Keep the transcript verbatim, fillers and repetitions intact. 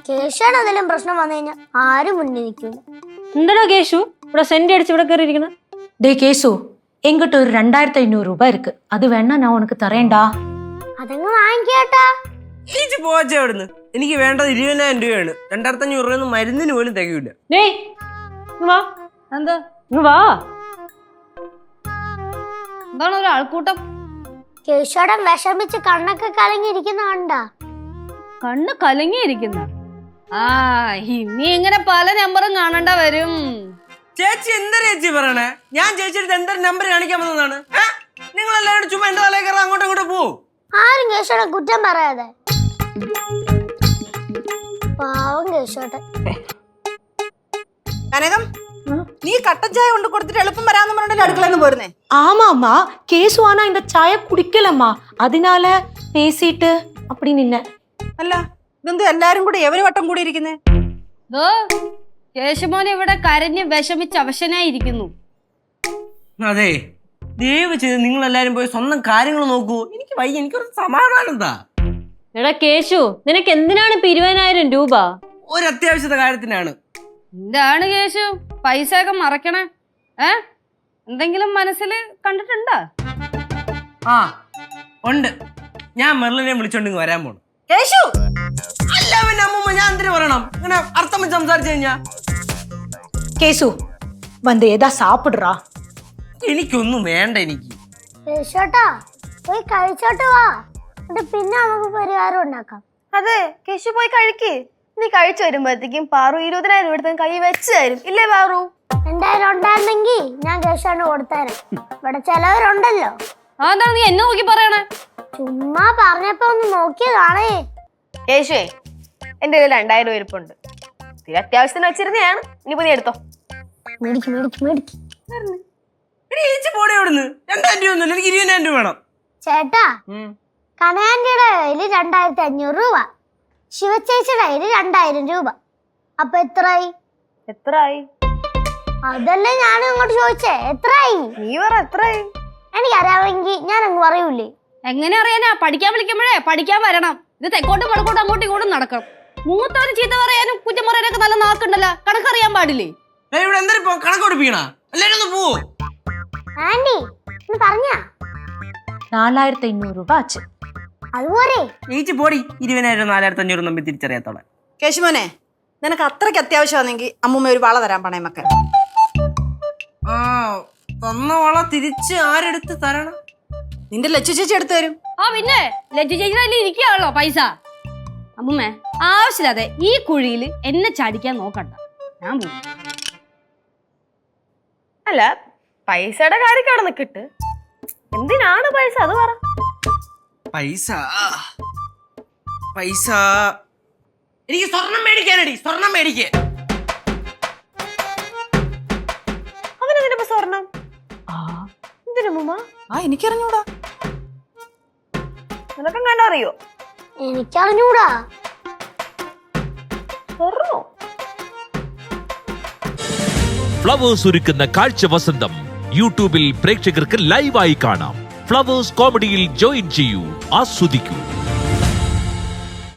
കേശുവാണ് എന്തെങ്കിലും പ്രശ്നം വന്നു കഴിഞ്ഞാൽ ആരും മുന്നിൽ നിൽക്കില്ല. എന്താടാ കേശു ഇവിടെ സെന്റ് അടിച്ച് ഇവിടെ കയറിയിരിക്കണം? டே கேசு, எங்கிட்ட ஒரு ரெண்டாயிரத்தி ஐநூறு ரூபாய் இருக்கு. அது வேணா நான் உனக்கு தரேன்டா. അതങ്ങ് വാങ്ങിക്കേട്ടാ. ഈച്ച് പോവാച്ചേ അവിടുന്ന്. എനിക്ക് വേണ്ടത് ഇരുപതിനായിരം രൂപയാണ്. രണ്ടായിരത്തി അഞ്ഞൂറ് രൂപ മരുന്നിന് പോലും തികയില്ല. ഡേയ് വാ. എന്താ വാ? എന്താണ് ഒരു ആൾക്കൂട്ടം? കേശുവാടൻ വിഷമിച്ച് കണ്ണൊക്കെ കലങ്ങിയിരിക്കുന്ന കണ്ടാ? കണ്ണ് കലങ്ങിയിരിക്കുന്ന? ആ ഇനി ഇങ്ങനെ പല നമ്പറും കാണണ്ട വരും. ചേച്ചി എന്താ ചേച്ചി പറയണേ? ഞാൻ ചേച്ചിയുടെ എന്തൊരു നമ്പർ കാണിക്കാൻ വന്നതാണ്. നിങ്ങൾ എല്ലാവരും ചുമ്മാ എന്റെ തലയിൽ കയറാൻ അങ്ങോട്ടും ഇങ്ങോട്ടും പോവും. ആരും കേശുവാടൻ കുറ്റം പറയാതെ. പാവം കേശുവാടൻ. കനകം, നീ കട്ടൻ ചായ കൊണ്ട് കൊടുത്തിട്ട് എളുപ്പം വരാന്ന് പറഞ്ഞിട്ട് അടുക്കളന്ന് പോരുന്നേ? ஆமாம்மா, கேசு ஆனா இந்த சாய குடிக்கலம்மா, அதனால பேசிட்டு அப்படி நின்ன. അല്ല, ഇതെന്ത് എല്ലാരും കൂടി എവര് വട്ടം കൂടി ഇരിക്കുന്നേ? കേശുമോൻ ഇവിടെ കരഞ്ഞ് വിഷമിച്ച് അവശനായിരിക്കുന്നു. അതെ, ദയവ് ചെയ്ത് നിങ്ങൾ എല്ലാരും പോയി സ്വന്തം കാര്യങ്ങൾ നോക്കൂ. എനിക്ക് വയ്യ, എനിക്കൊരു സമാധാനം എന്താ? എടാ കേശു, നിനക്ക് എന്തിനാണ് ഇപ്പൊ ഇരുപതിനായിരം രൂപ? ഒരു അത്യാവശ്യത്തെ കാര്യത്തിനാണ്. എന്താണ് കേശു പൈസ ഒക്കെ മറക്കണേ? ഏ എന്തെങ്കിലും മനസ്സിൽ കണ്ടിട്ടുണ്ടോ? ആ ഉണ്ട്. ഞാൻ മെർലിനെ വിളിച്ചോണ്ട് വരാൻ പോണു. കേശു, അല്ല പിന്നെ അമ്മൂമ്മ, ഞാൻ എന്തിനു പറയണം? ഇങ്ങനെ അർത്ഥം വെച്ച് സംസാരിച്ചു കഴിഞ്ഞാ? கேசு, வந்து ஏதா சாப்பிடுறா. എനിക്കൊന്നും വേണ്ട. എനിക്ക് കേശുവാട്ടാ പോയി കഴിച്ചോട്ട് വാ, എന്നിട്ട് പിന്നെ നമുക്ക് പരിഹാരം ഉണ്ടാക്കാം. അതെ, കേശു പോയി കഴിക്ക്. നീ കഴിച്ചു വരുമ്പോഴത്തേക്കും പാറു ഇരുപതിനായിരം രൂപ എടുത്ത് കൈ വെച്ച് തരും. ഇല്ലേ പാറു? എന്തായാലും ഉണ്ടായിരുന്നെങ്കിൽ ഞാൻ കേശുവാണ് കൊടുത്തേരാം. ഇവിടെ ചിലവരുണ്ടല്ലോ. അതാണ് നീ എന്നെ നോക്കി പറയണേ? ചുമ്മാ പറഞ്ഞപ്പോ ഒന്ന് നോക്കിയതാണേ. കേശുവേ, എന്റെ കയ്യിൽ രണ്ടായിരം രൂപ ഇരിപ്പുണ്ട്. തീരെ അത്യാവശ്യത്തിന് വെച്ചിരുന്നതാണ്. ഇനിയിപ്പോ നീ എടുത്തോ. മേടിക്ക് മേടിക്ക് മേടിക്ക്. പോടെ അവിടുന്ന്. രണ്ടായിരം രൂപ ഒന്നുമില്ല, എനിക്ക് ഇരുപതിനായിരം രൂപ വേണം. ചേട്ടാ, കനയാന്റിയുടെ കയ്യില് രണ്ടായിരത്തി അഞ്ഞൂറ് രൂപ, ശിവചേച്ചിയുടെ കയ്യില് രണ്ടായിരം രൂപ. അപ്പൊ എത്രയായി? എത്രയായി? അതല്ലേ ഞാൻ അങ്ങോട്ട് ചോദിച്ചേ, എത്രയായി? നീ പറ, എത്രയായി? എനിക്കറിയാമെങ്കിൽ ഞാൻ അങ്ങ് പറയൂലേ. എങ്ങനെ അറിയാനാ? പഠിക്കാൻ വിളിക്കുമ്പോഴേ പഠിക്കാൻ വരണം. ഇത് തെക്കോട്ടും വടക്കോട്ടും അങ്ങോട്ടും ഇങ്ങോട്ടും നടക്കണം. മൂത്തവന് ചീത്ത പറയാനും കുറ്റം പറയാനൊക്കെ നല്ല നാക്കുണ്ടല്ലോ. കണക്കറിയാൻ പാടില്ലേ? ഇവിടെ എന്താ കണക്ക് പഠിപ്പിക്കണ? എല്ലാരും ഒന്ന് പോവോ? ആന്റി ഒന്ന് പറഞ്ഞാ நாலாயிரத்தி ஐநூறு ரூபாய் ஆச்சு. അതുപോലെ ചേച്ചി പോടി. ഇരുപതിനായിരം നാലായിരത്തി അഞ്ഞൂറ് തമ്മിൽ തിരിച്ചറിയാത്തോളെ. കേശുമോനെ, നിനക്ക് അത്രയ്ക്ക് അത്യാവശ്യമാണെങ്കിൽ അമ്മൂമ്മ ഒരു വള തരാൻ പണയമൊക്കെ. ആ തന്ന വള തിരിച്ച് ആരെടുത്ത് തരണം? നിന്റെ ലച്ചു ചേച്ചി എടുത്തു തരും. ആ പിന്നെ ലജ്ജ ചേച്ചി ഇരിക്കുകയാണല്ലോ പൈസ. അമ്മൂമ്മേ, ആവശ്യമില്ലാതെ ഈ കുഴിയിൽ എന്നെ ചാടിക്കാൻ നോക്കണ്ട. ഞാൻ പോകും. അല്ല, പൈസയുടെ കാര്യക്കാണ് നിക്കിട്ട്. എന്തിനാണ് പൈസ? അത് പറ. പൈസ പൈസ എനിക്ക് സ്വർണം മേടിക്കാനടി. സ്വർണം മേടിക്കേ. അവനെന്തിനാ സ്വർണം? എന്തിനു മുമ്മ? ആ എനിക്കറിഞ്ഞൂടാ. നിനക്കും കണ്ടറിയോ? എനിക്കറിഞ്ഞൂടാ. സ്വർണ്ണോ? ഫ്ലവേഴ്സ് ഒരുക്കുന്ന കാഴ്ച വസന്തം യൂട്യൂബിൽ പ്രേക്ഷകർക്ക് ലൈവായി കാണാം. ഫ്ലവേഴ്സ് കോമഡിയിൽ ജോയിൻ ചെയ്യൂ, ആസ്വദിക്കൂ.